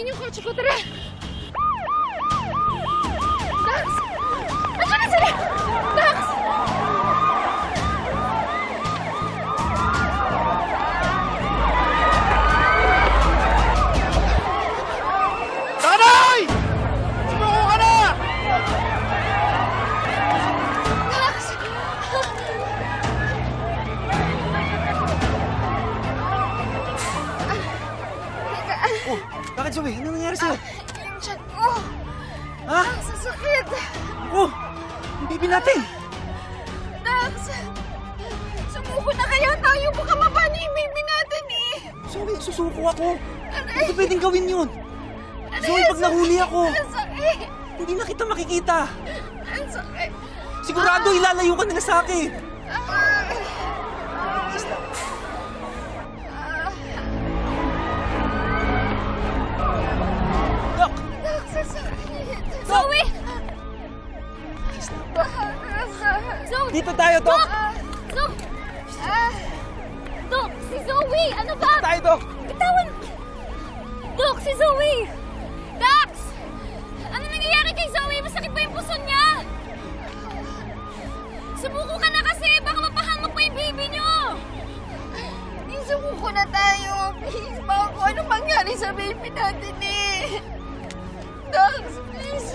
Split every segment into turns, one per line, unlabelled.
Ayan yung kotse ko, tara! Dax! Andiyan na sila! Dax!
Tanay! Sumuko ka na!
Dax!
Oh, bakit Zoe? Ano nangyari sa'yo?
Yung tiyan ko!
Ha?
Sasakit!
Oh, yung baby natin!
Dax! Sumuko na kaya tayo! Baka mapano yung baby natin eh!
Zoe, susuko ako!
Aray!
Hindi pwedeng gawin yun! Zoe, pag nahuli ako,
Ang sakit!
hindi na kita makikita!
Ang sakit!
Sigurado ilalayo ka nila sa akin! Dok!
Dax, ang sakit!
Zoe!
Zoe!
Dito tayo, Dok!
Dok! Dok, si Zoe! Ano ba?
Tayo, Dok!
Bitawan! Dok, si Zoe! Dax! Ano nangyayari kay Zoe? Masakit ba yung puso niya? Sumuko ka na kasi! Baka mapahamak pa yung baby niyo! Sumuko na tayo! Please! Baka kung ano mangyari sa baby natin eh! Dax, please!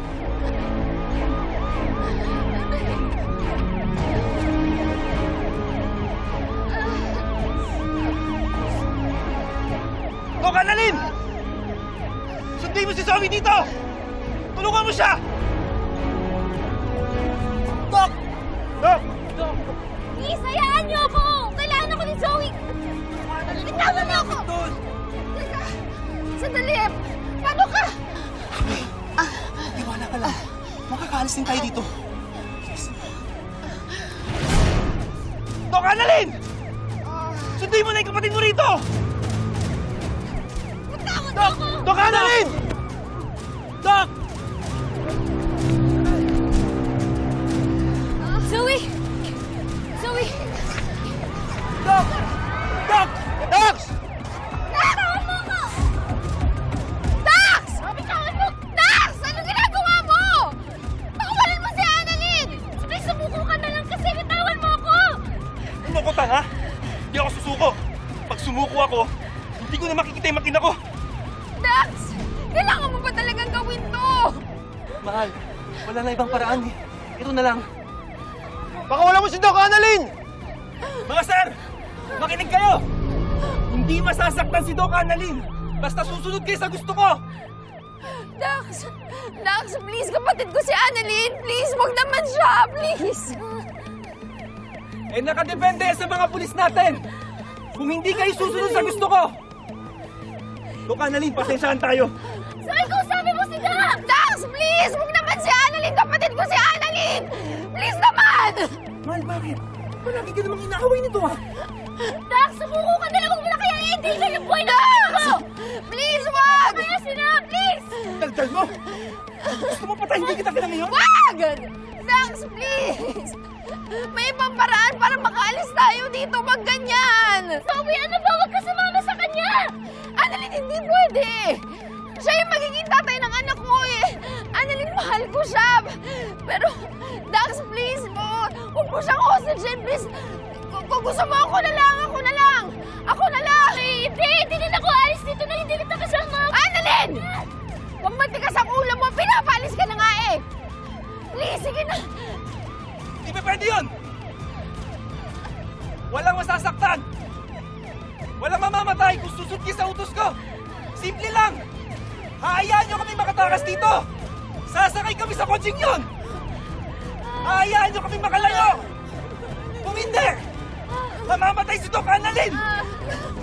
Dok, Annalyn! Sundin mo si Zoe dito! Tulungan mo siya! Dok! Dok! Dok!
Please, hayaan niyo ako! Kailangan ako ni Zoe! Bitawan niyo ako!
Doon!
Teka! Sandali! Paano ka?
Iwala ka lang. Makakaalis din tayo dito. Dok, Annalyn! Sundin mo na yung kapatid mo rito!
Bitawan niyo
Dok!
ako!
Dok, Annalyn! Dok!
Zoe! Zoe!
Dok! Dok! Doc!
Bitawan mo ako! Dax! Bitawan mo! Dax! Ano ginagawa mo? Pakawalan mo si Annalyn! Please, sumuko ka na lang kasi bitawan mo ako!
Ano ko, tanga? Hindi ako susuko. Pag sumuko ako, hindi ko na makikita yung makina ko.
Dax! Kailangan mo ba talagang gawin to?
Mahal, wala na ibang paraan eh. Ito na lang. Baka wala mo si Doc, Annalyn! Mga sir! Makinig kayo! Hindi masasaktan si Doc, Annalyn! Basta susunod kayo sa gusto ko!
Dax! Dax, please, kapatid ko si Annalyn! Please, wag naman siya! Please!
Eh nakadepende sa mga pulis natin! Kung hindi kayo susunod sa gusto ko! Doc, Annalyn, pasensyahan tayo!
So, ikaw sabi mo si Dax! Dax, please! Wag naman si Annalyn! Kapatid ko si Annalyn! Please naman!
Mahal, bakit? Palagi ka namang inaaway nito ah!
Dax, sumuko ka na lang! Huwag mo na kaya i-endanger yung buhay na ako! Please, wag! Kaya sila, please!
Daldal mo! Gusto mo patayin kita ngayon?
Wag! Dax, please! May ibang paraan para makaalis tayo dito. Wag ganyan! Zoe, ano ba? Wag ka sumama sa kanya! Annalyn, hindi pwede! Siya yung magiging tatay ng anak ko eh! Annalyn, mahal ko siya! Pero, Dax, please mo! Huwag mo siyang hostage, please! Kung gusto mo, ako na lang! Ako na lang! Ako na lang! Hindi na ako alis dito na hindi kita kasama! Annalyn! Huwag matigas ang ulo mo! Pinapalis ka na nga eh! Please, sige na!
Hindi pa pwede yun! Walang masasaktan! Walang mamamatay kung susod kayo sa utos ko! Simple lang! Haayaan nyo kami makatakas dito! Sasakay kami sa kotseng yun! Haayaan nyo kami makalayo! Kung hindi, mamamatay si Doc, Annalyn!